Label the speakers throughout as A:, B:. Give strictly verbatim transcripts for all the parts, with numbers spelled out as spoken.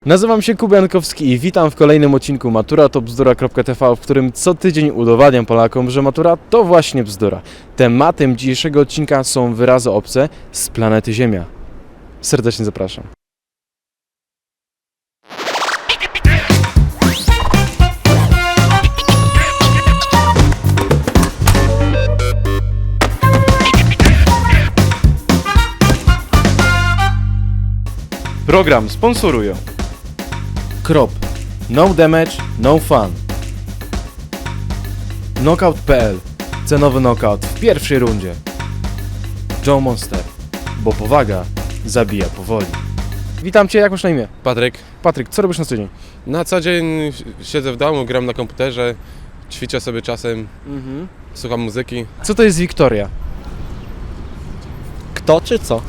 A: Nazywam się Kuba Jankowski i witam w kolejnym odcinku Matura to bzdura kropka t v, w którym co tydzień udowadniam Polakom, że matura to właśnie bzdura. Tematem dzisiejszego odcinka są wyrazy obce z planety Ziemia. Serdecznie zapraszam. Program sponsorują Krop, no damage, no fun. Knockout kropka p l, cenowy knockout w pierwszej rundzie. Joe Monster, bo powaga zabija powoli. Witam Cię, jak masz na imię?
B: Patryk.
A: Patryk, co robisz na co dzień?
B: Na co dzień siedzę w domu, gram na komputerze, ćwiczę sobie czasem,
A: Mhm.
B: słucham muzyki.
A: Co to jest Wiktoria?
C: Kto czy co?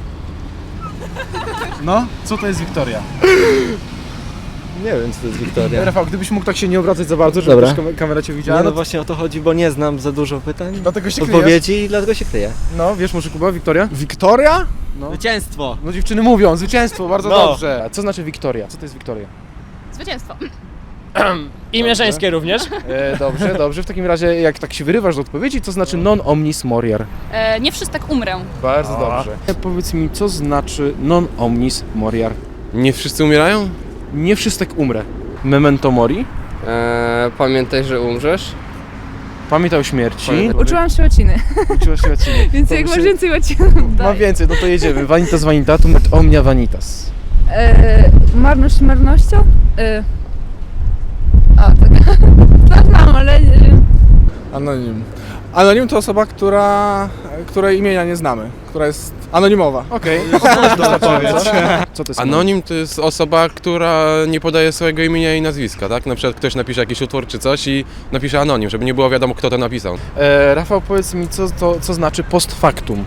A: No, co to jest Wiktoria?
C: Nie wiem, co to jest Wiktoria.
A: Rafał, gdybyś mógł tak się nie obracać za bardzo, żeby
C: Dobra.
A: też kam- kamera Cię widziała.
C: Nie,
A: No,
C: no właśnie o to chodzi, bo nie znam za dużo pytań,
A: dlatego się kryjesz.
C: odpowiedzi i dlatego się kryję.
A: No, wiesz może Kuba, Wiktoria?
D: Wiktoria?
A: No.
C: Zwycięstwo!
A: No dziewczyny mówią, zwycięstwo, bardzo
C: No.
A: dobrze. A co znaczy Wiktoria? Co to jest Wiktoria?
E: Zwycięstwo.
F: Imię żeńskie również.
A: E, dobrze, dobrze. W takim razie, jak tak się wyrywasz do odpowiedzi, to znaczy non omnis moriar.
E: E, nie wszyscy tak umrę.
A: Bardzo dobrze. Powiedz mi, co znaczy non omnis moriar?
B: Nie wszyscy umierają?
A: Nie wszystek umrę. Memento mori?
G: Eee, pamiętaj, że umrzesz.
A: Pamiętaj o śmierci.
E: Uczyłam się łaciny,
A: Uczyłaś się łaciny.
E: więc
A: To
E: jak
A: by
E: masz
A: się-
E: więcej łacin,
A: Mam
E: daj.
A: więcej, no to jedziemy. Vanitas vanitatum et omnia vanitas.
E: E, marność marnością? E, a, tak. Tak znam, ale... E,
D: Anonim. Anonim to osoba, która, której imienia nie znamy, która jest anonimowa.
A: Okej, okay. Co to jest
B: Anonim to jest osoba, która nie podaje swojego imienia i nazwiska, tak? Na przykład ktoś napisze jakiś utwór czy coś i napisze anonim, żeby nie było wiadomo, kto to napisał.
A: E, Rafał, powiedz mi, co, to, co znaczy post factum?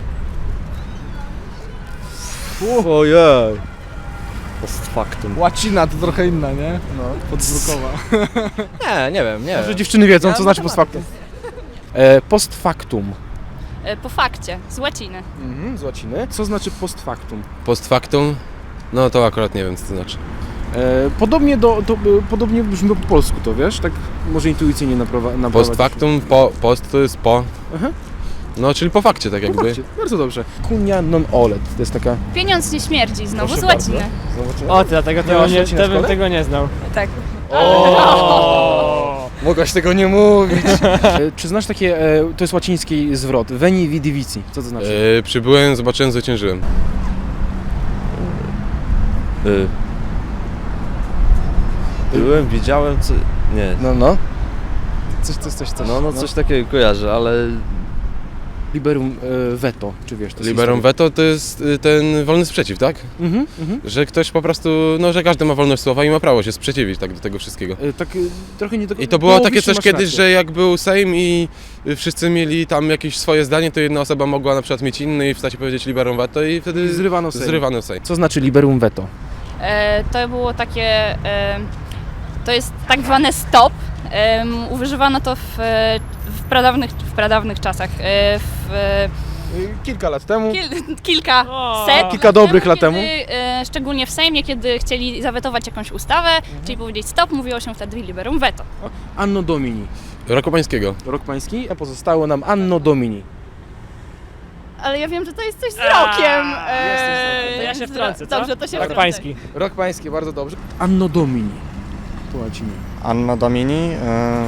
C: Ojej! Post factum.
D: Łacina to trochę inna, nie?
A: No.
D: Podzwrokowa.
C: Nie, nie wiem, nie
A: Może
C: wiem.
A: dziewczyny wiedzą,
C: Ja
A: co znaczy post factum. E, post factum.
E: e, po fakcie, z łaciny.
A: Mhm, z łaciny. Co znaczy post factum?
B: Post factum? No to akurat nie wiem, co to znaczy.
A: E, podobnie, do, do, e, podobnie brzmi po polsku, to wiesz? Tak może intuicyjnie naprowa- naprowadzić.
B: Post factum, po, post to jest po.
A: Aha.
B: No, czyli po fakcie, tak
A: No
B: jakby.
A: fakcie, bardzo dobrze. Cunia non olet, to jest taka...
E: Pieniądz nie śmierdzi, znowu
A: Proszę
E: z łaciny.
A: bardzo. Zobaczymy.
F: O, dlatego tego
A: Miałaś
F: nie,
A: łacinę w
F: to bym
A: szkole?
F: tego nie znał.
E: Tak.
F: O!
A: Mogłaś tego nie mówić. e, czy znasz takie, e, to jest łaciński zwrot, veni vidi vici, co to znaczy?
B: Yy, przybyłem, zobaczyłem, zwyciężyłem.
C: Y. Byłem, widziałem, co... Nie.
A: No, no. Coś, coś, coś, coś.
C: No, no coś takiego kojarzę, ale...
A: Liberum e, veto, czy wiesz? To jest
B: Liberum
A: historia.
B: veto to jest y, ten wolny sprzeciw, tak?
A: Mhm, mhm.
B: Że ktoś po prostu, no że każdy ma wolność słowa i ma prawo się sprzeciwić tak do tego wszystkiego.
A: E, tak e, trochę nie do
B: I to było takie
A: połowicznie
B: coś
A: masz
B: kiedyś,
A: rację.
B: że jak był Sejm i y, wszyscy mieli tam jakieś swoje zdanie, to jedna osoba mogła na przykład mieć inny i wstać i powiedzieć liberum veto i wtedy
A: I zrywano Sejm.
B: zrywano Sejm.
A: Co znaczy liberum veto?
E: E, to było takie... E, to jest tak zwane stop. E, używano to w, e, w, pradawnych, w pradawnych czasach. E, w, e,
A: E, Kilka lat temu.
E: Kil, kilka
F: O.
E: set
A: Kilka dobrych lat
E: kiedy,
A: temu.
E: E, szczególnie w Sejmie, kiedy chcieli zawetować jakąś ustawę, czyli powiedzieć stop, mówiło się wtedy liberum veto.
A: Anno Domini.
B: Roku pańskiego.
A: Rok pański, a pozostało nam Anno Domini.
E: Ale ja wiem, że to jest coś z
F: A,
E: rokiem.
F: jest coś z
E: e,
F: rokiem. To ja się
E: z-
F: wtrącę, co?
E: Dobrze, to się
F: Tak
E: wtrącę.
F: pański.
A: Rok pański, bardzo dobrze. Anno Domini. To łacinie.
H: Anno Domini ym,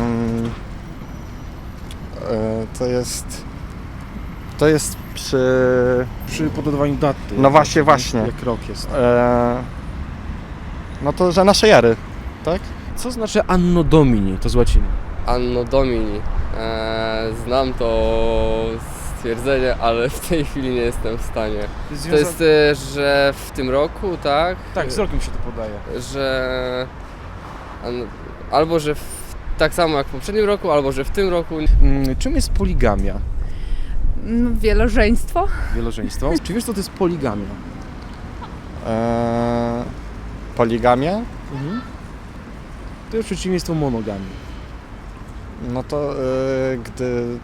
H: y, to jest to jest przy
A: Przy podawaniu daty.
H: No właśnie, właśnie.
A: Jak rok jest.
H: e, no to, że naszej ery, tak?
A: Co znaczy Anno Domini? To z łaciny.
G: Anno Domini. Eee, znam to stwierdzenie, ale w tej chwili nie jestem w stanie. To jest, e, że w tym roku, tak?
A: Tak, z rokiem się to podaje.
G: Że... an- Albo, że w, tak samo jak w poprzednim roku, albo, że w tym roku.
A: Mm, czym jest poligamia?
E: No, wielożeństwo.
A: Wielożeństwo. Czy wiesz, co to jest poligamia?
H: E, poligamia,
A: Mhm. To jest przeciwieństwo monogamii.
H: no to y, gdy y,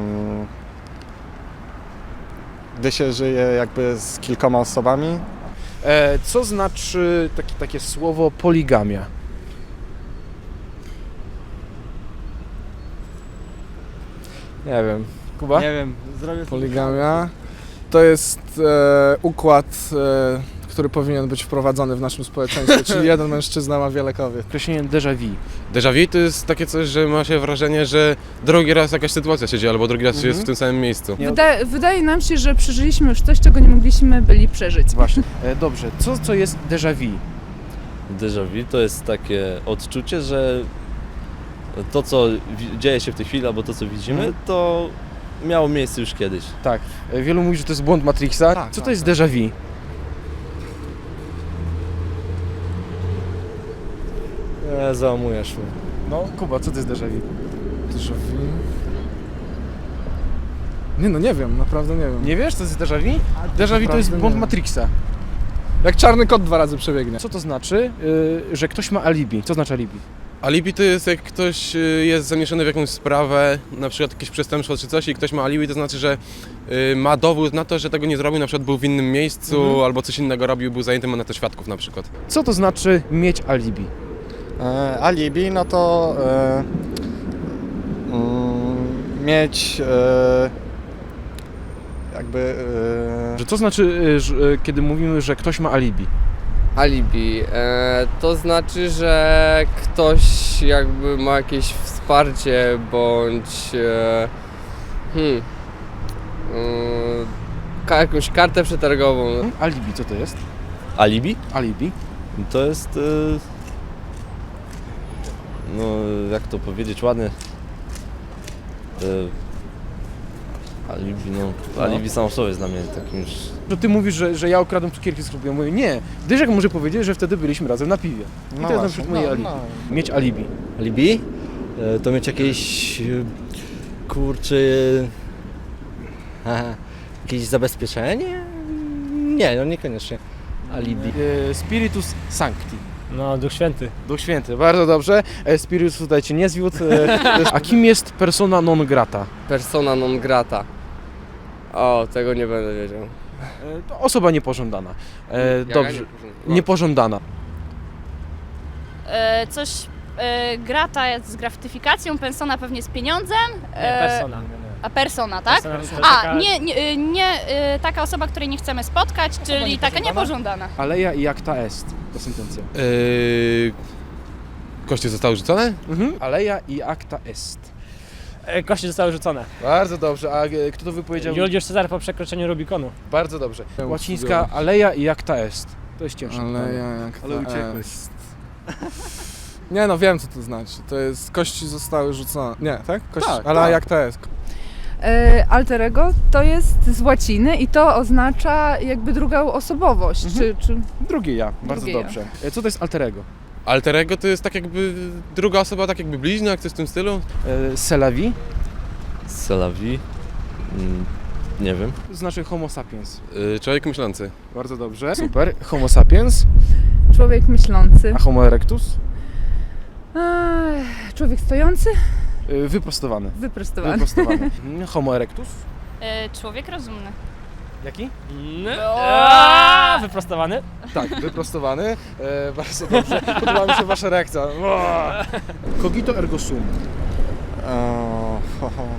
H: gdy się żyje jakby z kilkoma osobami,
A: E, co znaczy taki, takie słowo poligamia?
C: Nie wiem.
A: Kuba?
F: Nie wiem, zrobię
D: Poligamia to jest e, układ, e, który powinien być wprowadzony w naszym społeczeństwie, czyli jeden mężczyzna ma wiele kobiet.
A: Określenie déjà vu.
B: Déjà vu to jest takie coś, że ma się wrażenie, że drugi raz jakaś sytuacja się dzieje, albo drugi raz
A: Mhm.
B: jest w tym samym miejscu.
A: Nie-
I: Wydaje, wydaje nam się, że przeżyliśmy już coś, czego nie mogliśmy byli przeżyć.
A: Właśnie. E, dobrze, co, co jest déjà vu?
C: Déjà vu to jest takie odczucie, że to, co wi- dzieje się w tej chwili, albo to, co widzimy,
A: Mhm.
C: to miało miejsce już kiedyś.
A: Tak. E, wielu mówi, że to jest błąd Matrixa.
D: Tak,
A: co
D: tak,
A: to jest
D: tak.
A: déjà vu?
C: Nie, załamujesz mnie.
A: No, Kuba, co to jest déjà vu?
D: Déjà vu? Nie no, nie wiem, naprawdę nie wiem.
A: Nie wiesz, co to jest déjà vu? Déjà vu to jest
D: Naprawdę
A: błąd
D: nie.
A: Matrixa.
D: Jak czarny kot dwa razy przebiegnie.
A: Co to znaczy, y, że ktoś ma alibi? Co znaczy alibi?
B: Alibi to jest jak ktoś y, jest zamieszany w jakąś sprawę, na przykład jakieś przestępstwo czy coś i ktoś ma alibi, to znaczy, że y, ma dowód na to, że tego nie zrobił, na przykład był w innym miejscu
A: Mhm.
B: albo coś innego robił, był zajęty, ma na to świadków na przykład.
A: Co to znaczy mieć alibi?
H: E, alibi, no to e, mm, mieć e, jakby e,
A: Że co znaczy, y, że, y, kiedy mówimy, że ktoś ma alibi?
G: Alibi. E, to znaczy, że ktoś jakby ma jakieś wsparcie bądź e, hmm, e, ka- jakąś kartę przetargową.
A: Hmm? Alibi, co to jest?
C: Alibi?
A: Alibi.
C: To jest... y, No, jak to powiedzieć ładnie? Y, Alibi, no...
A: No.
C: Alibi samo w sobie jest dla mnie takim już...
A: Że ty mówisz, że, że ja ukradłem cukierki z klubu. Ja mówię, nie. Dyżek może powiedzieć, że wtedy byliśmy razem na piwie. I
H: no
A: to jest na
H: właśnie,
A: przykład moje
H: no,
A: alibi.
H: no.
A: Mieć alibi.
J: Alibi? E, To mieć jakieś, e, kurczę, aha, jakieś zabezpieczenie? Nie, no niekoniecznie. Alibi.
A: E, Spiritus Sancti.
F: No, Duch Święty.
A: Duch Święty, bardzo dobrze. E, Spiritus tutaj cię nie zwiódł. E, to jest- a kim jest persona non grata?
G: Persona non grata. O, tego nie będę wiedział.
A: E, to osoba niepożądana. E,
G: Jaka
A: dobrze.
G: niepożądana?
A: Niepożądana.
E: E, coś, e, grata jest z gratyfikacją, persona pewnie z pieniądzem.
F: Nie,
E: e,
F: persona.
E: A persona, tak?
F: Persona to
E: A,
F: taka-
E: nie, nie, y, nie y, taka osoba, której nie chcemy spotkać, czyli taka niepożądana.
A: Aleja i acta est. To sentencja.
B: Yy, kości zostały rzucone?
A: Mhm. Aleja i acta est.
F: E, Kości zostały rzucone.
A: Bardzo dobrze. A e, kto to wypowiedział?
F: Juliusz Cezar po przekroczeniu Rubikonu.
A: Bardzo dobrze.
D: Ja
A: Łacińska
D: uczułem.
A: aleja i acta est. To jest cięższe.
D: Ale
A: pytanie.
D: jak
A: Ale
D: to
A: uciekłeś.
D: jest? Nie no, wiem co to znaczy. To jest kości zostały rzucone. Nie, tak? Kości,
A: Tak,
D: ale
A: tak.
D: jak to jest?
I: E, alter ego to jest z łaciny i to oznacza jakby drugą osobowość,
A: Mhm.
I: czy, czy
A: Drugie ja. Bardzo
I: Drugie ja.
A: dobrze. E, Co to jest alterego?
B: Alter ego to jest tak jakby druga osoba, tak jakby bliźniak, coś w tym stylu.
A: E, Selavi
C: Selavi? Mm, Nie wiem.
A: znaczy homo sapiens.
B: Yy, człowiek myślący.
A: Bardzo dobrze. Super. Homo sapiens.
I: człowiek myślący.
A: A homo erectus?
I: Ech, człowiek stojący,
A: E, Wyprostowany.
I: wyprostowany.
A: Wyprostowany. Mhm. Homo erectus?
E: E, człowiek rozumny.
A: Jaki?
F: Eee, Wyprostowany.
A: Tak, wyprostowany. E, bardzo dobrze. Podoba mi się wasza reakcja. O! Cogito ergo sum.
H: e, ho, ho.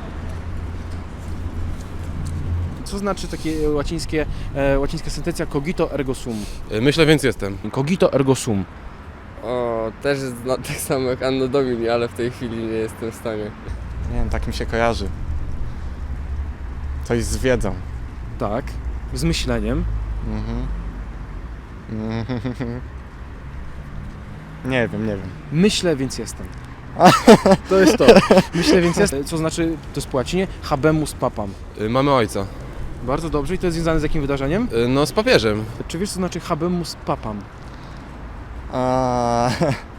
A: Co znaczy takie łacińskie, e, łacińska sentencja cogito ergo sum?
B: Yy, myślę, więc jestem.
A: Cogito ergo sum.
G: O, też jest na- tak samo jak Anno Domini, ale w tej chwili nie jestem w stanie.
H: Nie wiem, tak mi się kojarzy. Coś z wiedzą.
A: Tak. Z myśleniem.
H: Mhm. Mhm. Nie wiem, nie wiem.
A: Myślę, więc jestem. To jest to. Myślę, więc jestem. Co znaczy, to jest po łacinie, habemus papam.
B: Yy, mamy ojca.
A: Bardzo dobrze. I to jest związane z jakim wydarzeniem?
B: Yy, no z papieżem.
A: Czy wiesz, co znaczy habemus papam?
H: A,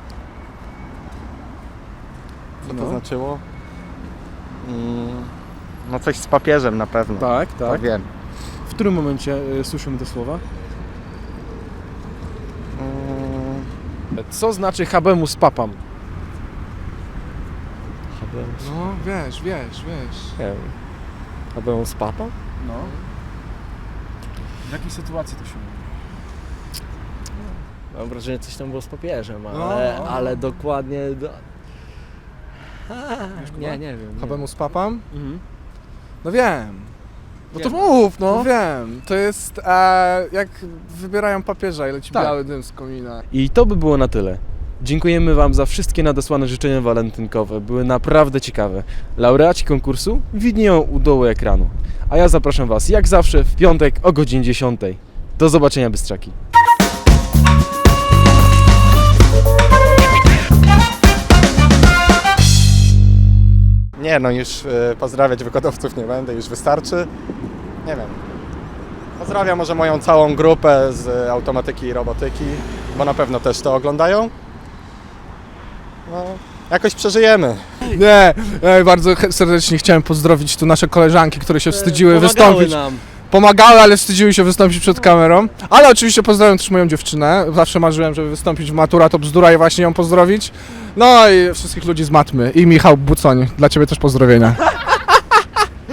H: co to
A: No.
H: znaczyło? Mm, no coś z papieżem na pewno.
A: Tak,
H: To
A: tak.
H: wiem.
A: W którym momencie e, słyszymy te słowa?
H: Mm,
A: Co znaczy habemus papam?
D: No, wiesz, wiesz, wiesz.
C: Nie wiem. A byłem z papą?
A: No. W jakiej sytuacji to się mówi?
J: Mam wrażenie, że coś tam było z papieżem, ale,
D: No.
J: ale dokładnie... Do... A,
D: Kuba?
J: nie, nie wiem. Nie.
D: Habemus Papam?
J: Mhm.
D: No wiem.
J: No
D: Wiem.
J: to mów,
D: No
J: no.
D: wiem. To jest e, jak wybierają papieża i leci
A: Tak.
D: biały dym z komina.
A: I to by było na tyle. Dziękujemy Wam za wszystkie nadesłane życzenia walentynkowe. Były naprawdę ciekawe. Laureaci konkursu widnieją u dołu ekranu. A ja zapraszam Was jak zawsze w piątek o godzinie dziesiątej. Do zobaczenia, Bystrzaki.
H: Nie no, już e, pozdrawiać wykładowców nie będę, już wystarczy. Nie wiem. Pozdrawiam może moją całą grupę z automatyki i robotyki, bo na pewno też to oglądają. No, jakoś przeżyjemy.
D: Nie, ja bardzo ch- serdecznie chciałem pozdrowić tu nasze koleżanki, które się wstydziły
J: Pomagały
D: wystąpić.
J: nam.
D: Pomagały, ale wstydziły się wystąpić przed kamerą. Ale oczywiście pozdrawiam też moją dziewczynę. Zawsze marzyłem, żeby wystąpić w Matura to bzdura i właśnie ją pozdrowić. No i wszystkich ludzi z Matmy i Michał Bucoń. Dla Ciebie też pozdrowienia.